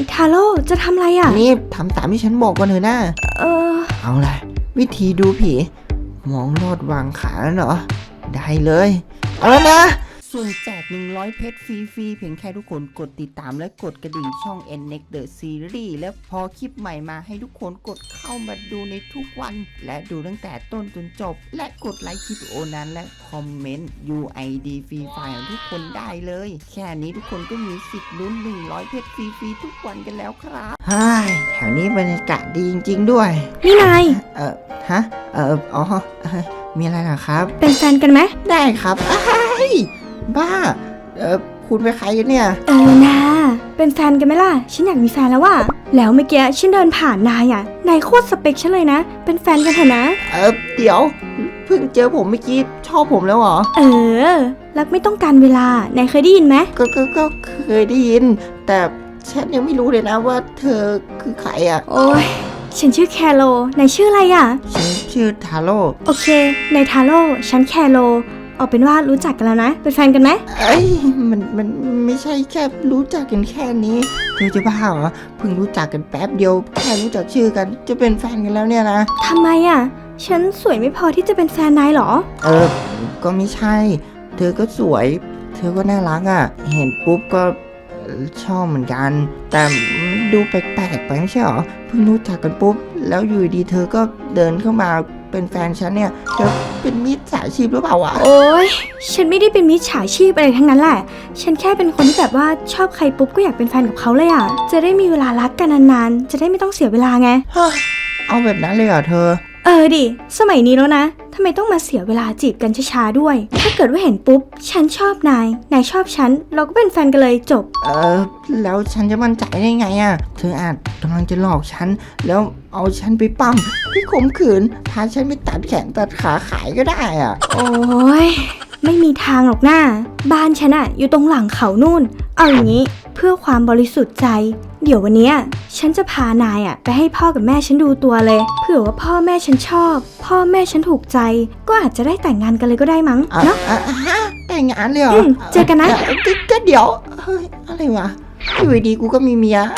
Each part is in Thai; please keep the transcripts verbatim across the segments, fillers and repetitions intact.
ทาโร่จะทำอะไรอ่ะนี่ทำตามที่ฉันบอกก่อนเถอะนะเออเอาล่ะวิธีดูผีมองลอดวางขาเหรอได้เลยเอาแล้วนะส่วนแจกหนึ่งร้อยเพชรฟรีๆเพียงแค่ทุกคนกดติดตามและกดกระดิ่งช่อง เอ็น เน็กซ์ The Series และพอคลิปใหม่มาให้ทุกคนกดเข้ามาดูในทุกวันและดูตั้งแต่ต้นจนจบและกดไลค์คลิปโอนั้นและคอมเมนต์ ยู ไอ ดี ฟรีไฟล์ของทุกคนได้เลยแค่นี้ทุกคนก็มีสิทธิ์ลุ้นหนึ่งร้อยเพชรฟรีๆทุกวันกันแล้วครับฮ่าแถวนี้บรรยากาศดีจริงๆด้วยนี่นายเอ่อฮะเอ่ออ๋อมีอะไรล่ะครับเป็นแฟนกันไหมได้ครับบ้าเออคุณเป็นใครกันเนี่ยเออนะเป็นแฟนกันไหมล่ะฉันอยากมีแฟนแล้วว่ะแล้วเมื่อกี้ฉันเดินผ่านนายอ่ะนายโคตรสเปคฉันเลยนะเป็นแฟนกันเถอะนะเออเดี๋ยวเพิ่งเจอผมเมื่อกี้ชอบผมแล้วเหรอเออรักไม่ต้องการเวลานายเคยได้ยินไหมก็ก็ก็เคยได้ยินแต่ฉันยังไม่รู้เลยนะว่าเธอคือใครอ่ะโอ้ยฉันชื่อแคโรนายชื่ออะไรอ่ะฉันชื่อทาโร่โอเคนายทาโร่ฉันแคโรเอาเป็นว่ารู้จักกันแล้วนะเป็นแฟนกันไหมเอ้ยมันมันไม่ใช่แค่รู้จักกันแค่นี้เธอจะบ้าเหรอเพิ่งรู้จักกันแป๊บเดียวแค่รู้จักชื่อกันจะเป็นแฟนกันแล้วเนี่ยนะทำไมอ่ะฉันสวยไม่พอที่จะเป็นแฟนนายหรอเออก็ไม่ใช่เธอก็สวยเธอก็น่ารักอ่ะเห็นปุ๊บก็ชอบเหมือนกันแต่ดูแปลกๆไปไม่ใช่หรอเพิ่งรู้จักกันปุ๊บแล้วอยู่ดีเธอก็เดินเข้ามาเป็นแฟนฉันเนี่ยเธอเป็นมิจฉาชีพหรือเปล่าวะโอ๊ยฉันไม่ได้เป็นมิจฉาชีพอะไรทั้งนั้นแหละฉันแค่เป็นคนที่แบบว่าชอบใครปุ๊บก็อยากเป็นแฟนกับเขาเลยอ่ะจะได้มีเวลารักกันนานๆจะได้ไม่ต้องเสียเวลาไงเอาแบบนั้นเลยเหรอเธอเออดิสมัยนี้แล้วนะทำไมต้องมาเสียเวลาจีบกันช้าๆด้วยถ้าเกิดว่าเห็นปุ๊บฉันชอบนายนายชอบฉันเราก็เป็นแฟนกันเลยจบเออแล้วฉันจะมั่นใจได้ไงอ่ะเธออาจกำลังจะหลอกฉันแล้วเอาฉันไปปั้มไปข่มขืนพาฉันไปตัดแขนตัดขาขายก็ได้อ่ะโอ้ยไม่มีทางหรอกหน้าบ้านฉันอะอยู่ตรงหลังเขานู่นเอาอย่างนี้เพื่อความบริสุทธิ์ใจเดี๋ยววันนี้ฉันจะพานายอะไปให้พ่อกับแม่ฉันดูตัวเลยเผื่อว่าพ่อแม่ฉันชอบพ่อแม่ฉันถูกใจก็อาจจะได้แต่งงานกันเลยก็ได้มั้งเนาะแต่งงานเลยเหรอเจอกันนะก็เดี๋ยวเฮ้ยอะไรวะอยู่ดีกูก็มีเมีย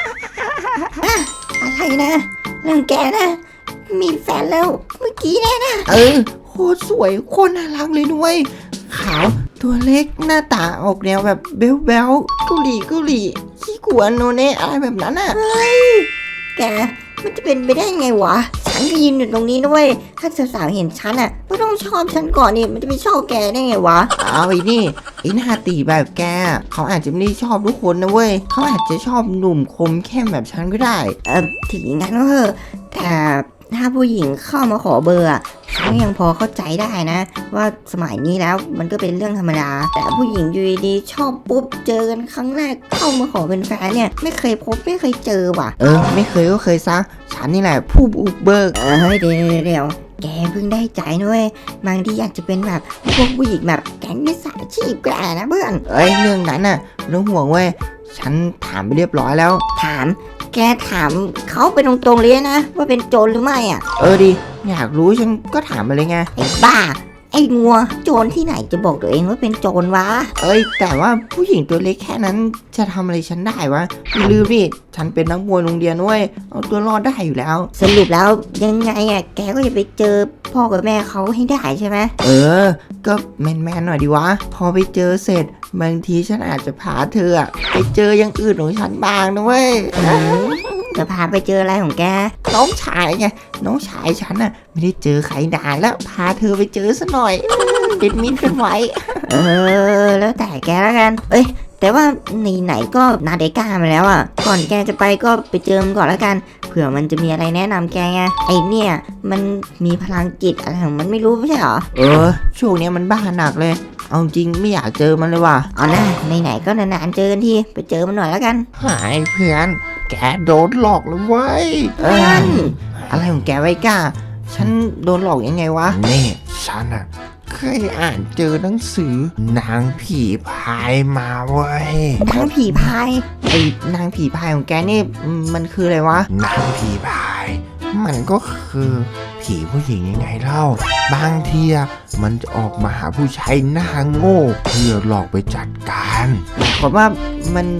อะไรนะเรื่องแกนะมีแฟนแล้วเมื่อกี้แน่นะเออโคตรสวยโคตรน่ารักเลยด้วยขาวตัวเล็กหน้าตาออกแนวแบบเบ๊วเบ๊วเกาหลีเกาหลีขี้กวนโนเน่อะไรแบบนั้นอ่ะเฮ้ยแกมันจะเป็นไปได้ไงวะฉันก็ยืนอยู่ตรงนี้ด้วยถ้าสาวๆเห็นฉันอ่ะก็ต้องชอบฉันก่อนนี่มันจะไปชอบแกได้ไงวะเอาไอ้นี่ไอ้หน้าตีแบบแกเขาอาจจะไม่ได้ชอบทุกคนนะเว้ยเขาอาจจะชอบหนุ่มคมเข้มแบบฉันก็ได้เออถึงงั้นก็เถอะแต่ถ้าผู้หญิงเข้ามาขอเบอร์ฉันยังพอเข้าใจได้นะว่าสมัยนี้แล้วมันก็เป็นเรื่องธรรมดาแต่ผู้หญิงอยู่ดีชอบปุ๊บเจอกันครั้งแรกเข้ามาขอเป็นแฟนเนี่ยไม่เคยพบไม่เคยเจอว่ะเออไม่เคยก็เคยซะฉันนี่แหละผู้บุกเบิกเออเฮ้ยเดี๋ยวเดี๋ยวแกเพิ่งได้ใจนะเว้ยบางทีอยากจะเป็นแบบพวกผู้หญิงแบบแก๊งมิจฉาชีพแกนะเพื่อนเอ้ยเรื่องนั้นน่ะเรื่องห่วงเว้ยฉันถามไปเรียบร้อยแล้วถามแกถามเขาไปตรงๆเลยนะว่าเป็นโจรหรือไม่อ่ะเออดิอยากรู้ฉันก็ถามไปเลยไงไอ้บ้าไอ้งัวโจรที่ไหนจะบอกตัวเองว่าเป็นโจรวะเอ้ยแต่ว่าผู้หญิงตัวเล็กแค่นั้นจะทำอะไรฉันได้วะลืมดิฉันเป็นนักมวยโรงเรียนด้วยเอาตัวรอดได้อยู่แล้วสรุปแล้วยังไงอ่ะแกก็จะไปเจอพ่อกับแม่เขาให้ได้ใช่ไหมเออก็แมนๆหน่อยดิวะพอไปเจอเสร็จบางทีฉันอาจจะพาเธอไปเจออย่างอื่นของฉันบ้างนะเว้ยจะพาไปเจออะไรของแกน้องชายไงน้องชายฉันน่ะไม่ได้เจอใครนานแล้วพาเธอไปเจอซะหน่อยติดมิตรกันไว้เออแล้วแต่แกแล้วกันเอ้ยแต่ว่าไหนๆก็นาเดก้ามาแล้วอ่ะก่อนแกจะไปก็ไปเจอมันก่อนแล้วกันเผื่อมันจะมีอะไรแนะนำแกไงไอเนี่ยมันมีพลังจิตอะไรของมันไม่รู้ไม่ใช่หรอเออช่วงนี้มันบ้าหนักเลยเอาจริงไม่อยากเจอมันเลยว่ะเอาหน้าไหนๆก็นานๆเจอกันทีไปเจอมันหน่อยแล้วกันหายเพื่อนแกโดนหลอกแล้วเว้ยเอออะไรของแกไว้ก้าฉันโดนหลอกยังไงวะนี่ฉันอะเคยอ่านเจอหนังสือนางผีพายมาเว้ยนางผีพายไอ้นางผีพายของแกนี่มันคืออะไรวะนางผีพายมันก็คือผีผู้หญิงยังไงเล่าบางทีมันจะออกมาหาผู้ชายหน้าโง่เพื่อหลอกไปจัดการผมว่ามัน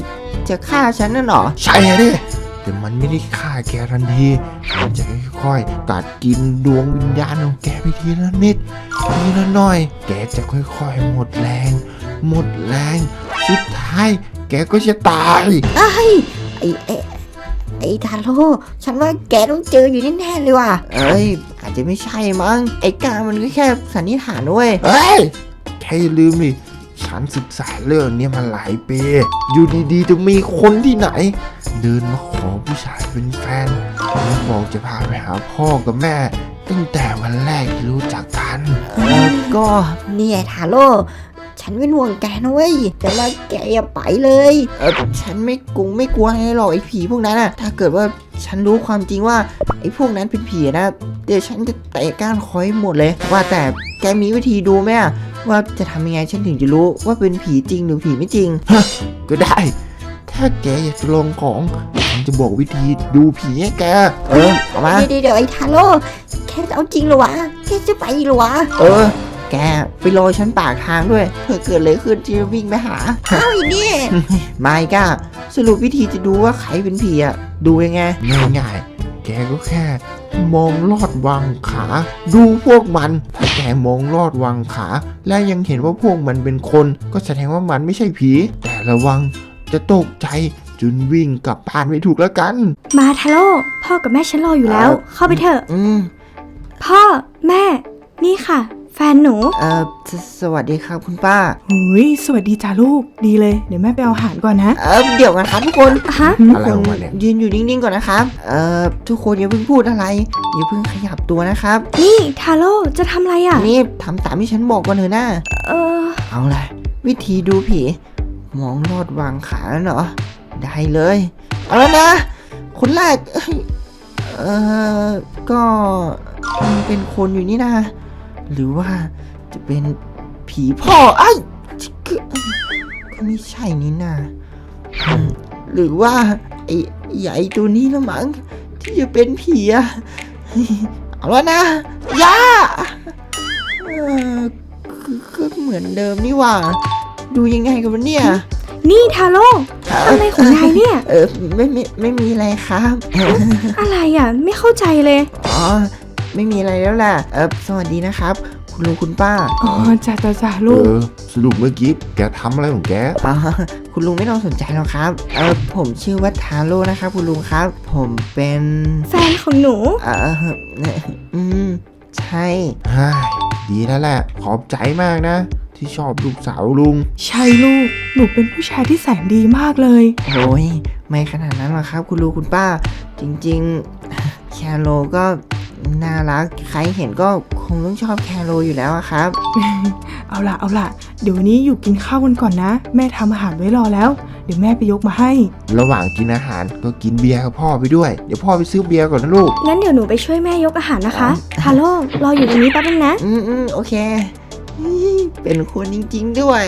จะฆ่าฉันน่ะเหรอใช่ดิแต่มันไม่ได้ฆ่าแกทันทีมันจะค่อยๆกัดกินดวงวิญญาณของแกไปทีละนิดทีละหน่อย แกจะค่อยๆหมดแรง หมดแรง สุดท้ายแกก็จะตายไอ้ไอ้ไอ้ไอ้ทาโร่ฉันว่าแกต้องเจออยู่แน่ๆเลยว่ะเอ้ยอาจจะไม่ใช่มั้งไอ้การมันก็แค่สันนิษฐานเว้ยเฮ้ยแค่อย่าลืมดิฉันศึกษาเรื่องนี้มาหลายปี อยู่ดีๆจะมีคนที่ไหน เดินมาขอผู้ชายเป็นแฟนแล้วบอกจะพาไปหาพ่อกับแม่ ตั้งแต่วันแรกที่รู้จักกันเออก็นี่ไอ้ทาโร่ฉันเป็นห่วงแกนะเว้ยแต่ว่าแกอย่าไปเลยเออฉันไม่กลัวไม่กลัวอะไรหรอกไอ้ผีพวกนั้นอะถ้าเกิดว่าฉันรู้ความจริงว่าไอ้พวกนั้นเป็นผีนะเดี๋ยวฉันจะเตะก้านคอยหมดเลย ว่าแต่แกมีวิธีดูไหมอะว่าจะทำยังไงฉันถึงจะรู้ว่าเป็นผีจริงหรือผีไม่จริงก็ได้ ถ้าแกอยากจะลองของฉันจะบอกวิธีดูผีให้แกเออเอามาเดี๋ยวเดี๋ยวไอ้ทาโร่แกจะเอาจริงเหรอวะแกจะไปเหรอวะเออ แกไปรอฉันปากทางด้วยเผื่อเกิดอะไรขึ้นจะวิ่งไปหาเอาอีนี่ไม่ก้าสรุปวิธีจะดูว่าใครเป็นผีอะดูยังไงง่ายๆ แกก็แค่ มองลอดวางขา ดูพวกมัน ถ้าแกมองลอดวางขา และยังเห็นว่าพวกมันเป็นคน ก็แสดงว่ามันไม่ใช่ผี แต่ระวังจะตกใจจนวิ่งกลับบ้านไม่ถูกแล้วกันมาทาโร่พ่อกับแม่ฉันรออยู่แล้ว เข้าไปเถอะอืมพ่อแม่ นี่ค่ะ แฟนหนูเออสสวัสดีครับคุณป้าหุยสวัสดีจ้าลูกดีเลยเดี๋ยวแม่ไปเอาอาหารก่อนนะเออเดี๋ยวกันครับทุกคนฮะอะไรของมันเนี่ยยืนอยู่นิ่งๆก่อนนะครับ เอ่อทุกคนอย่าเพิ่งพูดอะไรอย่าเพิ่งขยับตัวนะครับนี่ทาโร่จะทำอะไรอ่ะนี่ทำตามที่ฉันบอกก่อนเถอะนะเออเอาล่ะ วิธีดูผี มองลอดวางขาแล้วเหรอ ได้เลย เอาแล้วนะ คนแรกเอ้ยเออก็มันเป็นคนอยู่นี่นะ หรือว่าจะเป็นผีพ่อไอ้ยก็ก็ไม่ใช่นี่นะอืมหรือว่าไอ้ใหญ่ตัวนี้ละมั้งที่จะเป็นผีอะเอาแล้วนะย่าเออคือก็เหมือนเดิมนี่หว่า ดูยังไงกันวะเนี่ยนี่ทาโร่อะไรของนายเนี่ยเออไม่ไม่ไม่มีอะไรครับอะไรอ่ะ ไม่เข้าใจเลยอ๋อไม่มีอะไรแล้วล่ะเออสวัสดีนะครับ คุณลุงคุณป้าอ๋อจ้าจ้าจ้าเอลูกอ สรุปเมื่อกี้แกทำอะไรของแกอ๋อคุณลุงไม่ต้องสนใจหรอกครับเออผมชื่อว่าทาโร่นะครับ คุณลุงครับ ผมเป็นแฟนของหนูเอออืมใช่ฮ่าดีแล้วแหละ ขอบใจมากนะ ที่ชอบลูกสาวลุงใช่ลูกหนูเป็นผู้ชายที่แสนดีมากเลยโอ้ยไม่ขนาดนั้นหรอกครับ คุณลุงคุณป้า จริงๆ แคโรก็น่ารักใครเห็นก็คงต้องชอบแคโรอยู่แล้วอะครับเอาล่ะเอาล่ะเดี๋ยววันนี้อยู่กินข้าวกันก่อนนะ แม่ทำอาหารไว้รอแล้ว เดี๋ยวแม่ไปยกมาให้ระหว่างกินอาหารก็กินเบียร์กับพ่อไปด้วย เดี๋ยวพ่อไปซื้อเบียร์ก่อนนะลูกงั้นเดี๋ยวหนูไปช่วยแม่ยกอาหารนะคะทาโร่รออยู่ตรงนี้แป๊บนึงนะอืมอืมโอเคเป็นคนจริงๆด้วย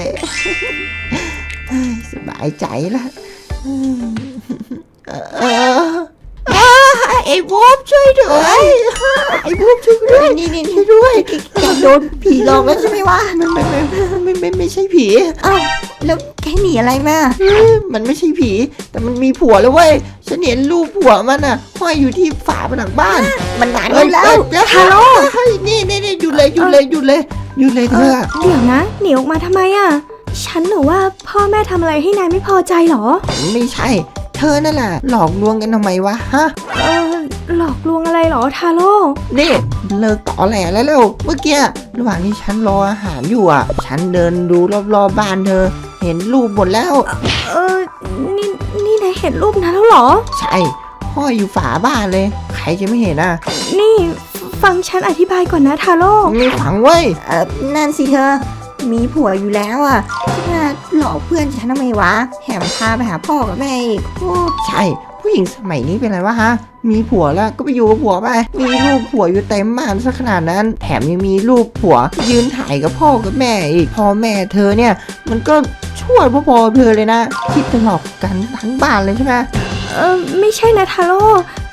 สบายใจละอืมเออเออไอ้บูบช่วยด้วยไอ้บูบช่วยด้วยนี่นี่ช่วยด้วยแกโดนผีหลอกแล้วใช่ไหมวะไม่ไม่ไม่ไม่ไม่ไม่ใช่ผีเอ้าแล้วแกหนีอะไรมามันไม่ใช่ผี แต่มันมีผัวแล้วเว้ยฉันเห็นรูปผัวมันอ่ะห้อยอยู่ที่ฝาผนังบ้านมันนานเอ้ยแล้วเอ้ยฮัลโหลเฮ้ยนี่นี่นี่หยุดเลยหยุดเลยหยุดเลยหยุดเลยเธเอออเดี๋ยวนะหนีออกมาทำไมอ่ะ ฉันหนูว่าพ่อแม่ทำอะไรให้นายไม่พอใจเหรอไม่ใช่ เธอนั่นแหละหลอกลวงกันทำไมวะฮะเออหลอกลวงอะไรเหรอทาโร่นี่เลิกต่อแหลแล้วเร็วเมื่อกี้ระหว่างที่ฉันรออาหารอยู่อ่ะ ฉันเดินดูรอบๆบบ้านเธอ เห็นรูปหมดแล้วเออนี่นี่นายเห็นรูปนั้นแล้วเหรอใช่ห้อยอยู่ฝาบ้านเลย ใครจะไม่เห็นอ่ะนี่ฟังฉันอธิบายก่อนนะทาโร่ไม่ฝังเว้ยเออนั่นสิเธอ มีผัวอยู่แล้วอ่ะจะหลอกเพื่อนฉันทำไมวะแถมพาไปหาพ่อกับแม่อีกโอ้ใช่ ผู้หญิงสมัยนี้เป็นไรวะฮะ มีผัวแล้วก็ไปอยู่กับผัวไป มีรูปผัวอยู่เต็มบ้านซะขนาดนั้น แถมยังมีรูปผัว ยืนถ่ายกับพ่อกับแม่อีก พ่อแม่เธอเนี่ย มันก็ช่วยพ่อๆเธอเลยนะ คิดจะหลอกกันทั้งบ้านเลยใช่ไหมเออไม่ใช่นะทาโร่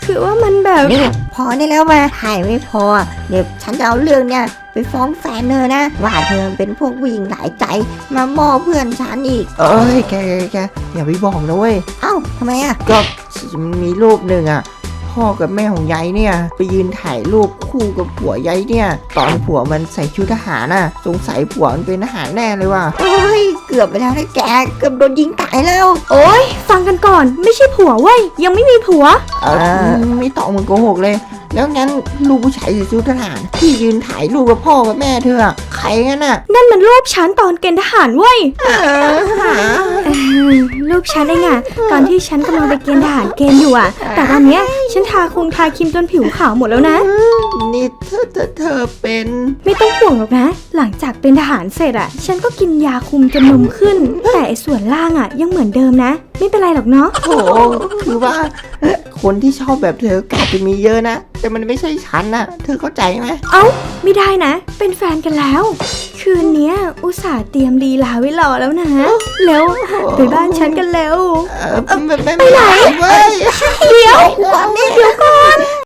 คือว่ามันแบบนี่พอได้แล้วมาถ่ายไม่พอ เดี๋ยวฉันจะเอาเรื่องเนี่ยไปฟ้องแฟนเธอนะ ว่าเธอเป็นพวกผู้หญิงหลายใจมาม่อเพื่อนฉันอีกเอ้ยแกแกแกอย่าไปบอกนะเว้ยเอ้าทำไมอ่ะก็มันมีรูปหนึ่งอ่ะ พ่อกับแม่ของยายเนี่ย ไปยืนถ่ายรูปคู่กับผัวยายเนี่ย ตอนผัวมันใส่ชุดทหารน่ะ สงสัยผัวมันเป็นทหารแน่เลยว่ะโอ้ยเกือบไปแล้วนะแกเกือบโดนยิงตายแล้วโอ๊ยฟังกันก่อนไม่ใช่ผัวเว้ยยังไม่มีผัวเออไม่ต้องมึงโกหกเลย แล้วงั้นลูกผู้ชายใส่ชุดทหารที่ยืนถ่ายรูปกับพ่อกับแม่เธออะใครกันน่ะนั่นมันรูปฉันตอนเกณฑ์ทหารเว้ยเออหาเออรูปฉันเองอะตอนที่ฉันกำลังไปเกณฑ์ทหารเกณฑ์อยู่อะแต่ตอนเนี้ยฉันทาคงทาครีมจนผิวขาวหมดแล้วนะนี่เธอเธอเธอเป็นไม่ต้องห่วงหรอกนะ หลังจากเป็นทหารเสร็จอะฉันก็กินยาคุมจนนมขึ้น แต่ไอ้ส่วนล่างอะยังเหมือนเดิมนะ ไม่เป็นไรหรอกเนาะโอ้คือว่าเอ่อคนที่ชอบแบบเธอก็อาจจะมีเยอะนะ แต่มันไม่ใช่ฉันนะเธอเข้าใจไหมเอ้าไม่ได้นะ เป็นแฟนกันแล้ว คืนเนี้ยอุตส่าห์เตรียมลีลาไว้รอแล้วนะแล้วไปบ้านฉันกันแล้วเออไม่ไม่ไม่ไหนเว้ย